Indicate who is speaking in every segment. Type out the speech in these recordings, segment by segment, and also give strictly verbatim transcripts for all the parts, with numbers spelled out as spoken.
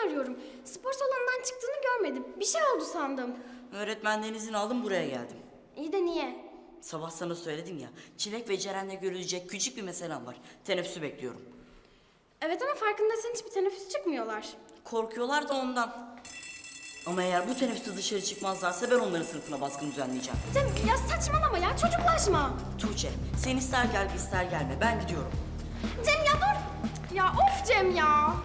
Speaker 1: arıyorum. Spor salonundan çıktığını görmedim. Bir şey oldu sandım.
Speaker 2: Öğretmenden izin aldım, buraya geldim.
Speaker 1: İyi de niye?
Speaker 2: Sabah sana söyledim ya, Çilek ve Ceren'le görülecek küçük bir meselem var. Teneffüsü bekliyorum.
Speaker 1: Evet ama farkındaysan hiçbir teneffüs çıkmıyorlar.
Speaker 2: Korkuyorlar da ondan. Ama eğer bu teneffüste dışarı çıkmazlarsa ben onların sınıfına baskın düzenleyeceğim.
Speaker 1: Cem ya saçmalama ya, çocuklaşma.
Speaker 2: Tuğçe, sen ister gel ister gelme, ben gidiyorum.
Speaker 1: Cem ya dur. Ya of Cem ya.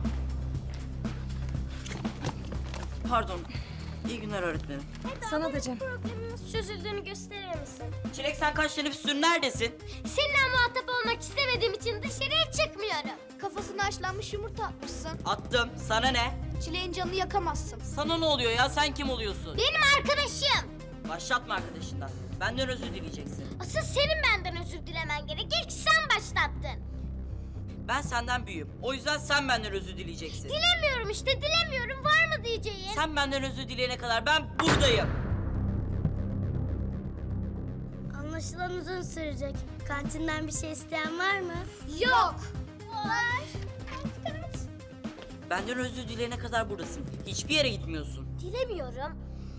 Speaker 2: Pardon, iyi günler öğretmenim.
Speaker 3: Sana da Cem.
Speaker 4: Problemimiz çözüldüğünü gösterir misin?
Speaker 2: Çilek sen kaç teneffüstür neredesin?
Speaker 4: Seninle muhatap olmak istemediğim için dışarıya çıkmıyorum. Kafasına haşlanmış yumurta atmışsın.
Speaker 2: Attım, sana ne?
Speaker 4: Çileğin canını yakamazsın.
Speaker 2: Sana ne oluyor ya, sen kim oluyorsun?
Speaker 4: Benim arkadaşım.
Speaker 2: Başlatma arkadaşından, benden özür dileyeceksin.
Speaker 4: Asıl senin benden özür dilemen gerek. İlk sen başlattın.
Speaker 2: Ben senden büyüğüm, o yüzden sen benden özür dileyeceksin.
Speaker 4: Dilemiyorum işte, dilemiyorum. Var mı diyeceğin?
Speaker 2: Sen benden özür dileyene kadar ben buradayım.
Speaker 4: Anlaşılan uzun sürecek. Kantinden bir şey isteyen var mı? Yok. Var. Kaç kaç.
Speaker 2: Benden özür dileyene kadar buradasın. Hiçbir yere gitmiyorsun.
Speaker 4: Dilemiyorum.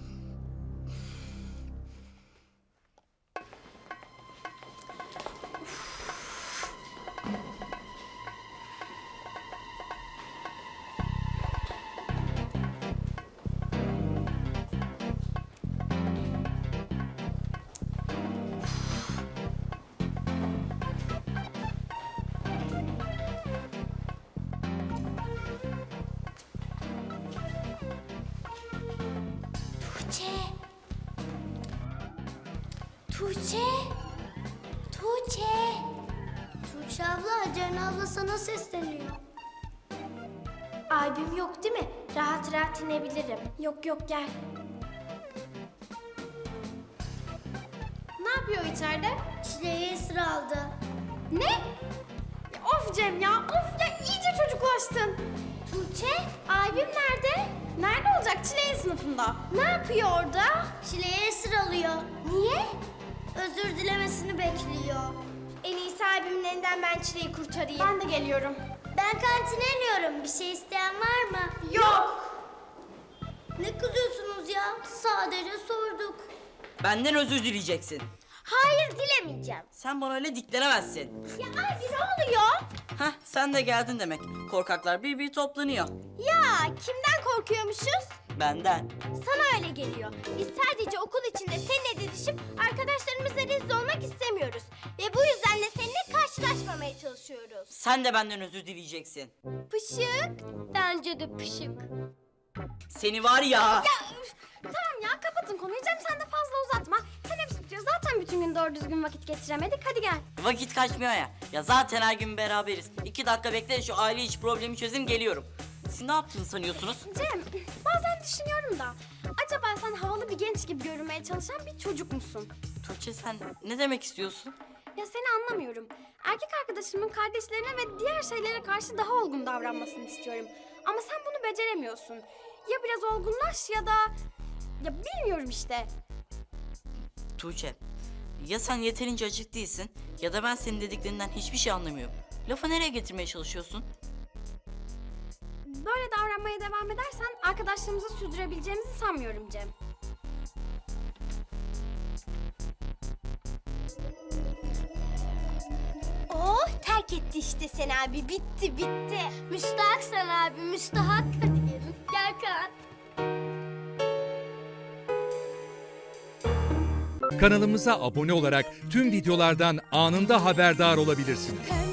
Speaker 4: Tuğçe. Tuğçe. Tuğçe. Tuğçe abla, Ceren abla sana sesleniyor. Albüm yok değil mi? Rahat rahat inebilirim.
Speaker 1: Yok yok gel. Ne yapıyor içeride?
Speaker 4: Çileği esir aldı.
Speaker 1: Ne? Ya of Cem ya, of ya iyice çocuklaştın.
Speaker 4: Tuğçe, albüm nerede?
Speaker 1: Nerede olacak? Çileğin sınıfında.
Speaker 4: Ne yapıyor orada? Çileği esir alıyor. Niye? Özür dilemesini bekliyor.
Speaker 1: En iyisi abimin elinden ben Çileği kurtarayım. Ben de geliyorum.
Speaker 4: Ben kantine iniyorum. Bir şey isteyen var mı?
Speaker 1: Yok.
Speaker 4: Ne kızıyorsunuz ya? Sadece sorduk.
Speaker 2: Benden özür dileyeceksin.
Speaker 4: Hayır, dilemeyeceğim.
Speaker 2: Sen bana öyle diklenemezsin.
Speaker 4: Ya abi ne oluyor?
Speaker 2: Hah, sen de geldin demek. Korkaklar bir bir toplanıyor.
Speaker 4: Ya kimden korkuyormuşuz?
Speaker 2: Benden.
Speaker 4: Sana öyle geliyor. Biz sadece okul içinde seninle didişip arkadaşlarımızla rezil olmak istemiyoruz. Ve bu yüzden de seninle karşılaşmamaya çalışıyoruz.
Speaker 2: Sen de benden özür dileyeceksin.
Speaker 4: Pışık. Bence de pışık.
Speaker 2: Seni var ya.
Speaker 1: Ya üf, tamam ya kapatın konuyu Cem, sen de fazla uzatma. Teneffüs bitiyor, zaten bütün gün doğru düzgün vakit geçiremedik, hadi gel.
Speaker 2: Vakit kaçmıyor ya. Ya zaten her gün beraberiz. İki dakika bekle de şu aile içi problemi çözeyim, geliyorum. Siz ne yaptığını sanıyorsunuz?
Speaker 1: Cem bazen düşünüyorum da acaba sen havalı bir genç gibi görünmeye çalışan bir çocuk musun?
Speaker 2: Tuğçe sen ne demek istiyorsun?
Speaker 1: Ya seni anlamıyorum. Erkek arkadaşımın kardeşlerine ve diğer şeylere karşı daha olgun davranmasını istiyorum. Ama sen bunu beceremiyorsun. Ya biraz olgunlaş ya da... Ya bilmiyorum işte.
Speaker 2: Tuğçe, ya sen yeterince açık değilsin ya da ben senin dediklerinden hiçbir şey anlamıyorum. Lafı nereye getirmeye çalışıyorsun?
Speaker 1: Böyle davranmaya devam edersen arkadaşlarımızı sürdürebileceğimizi sanmıyorum Cem.
Speaker 4: Oh, terk etti işte sen abi. Bitti, bitti. Müstahak sen abi, müstahak. Hadi gelin. Gel Kaan.
Speaker 5: Kanalımıza abone olarak tüm videolardan anında haberdar olabilirsiniz.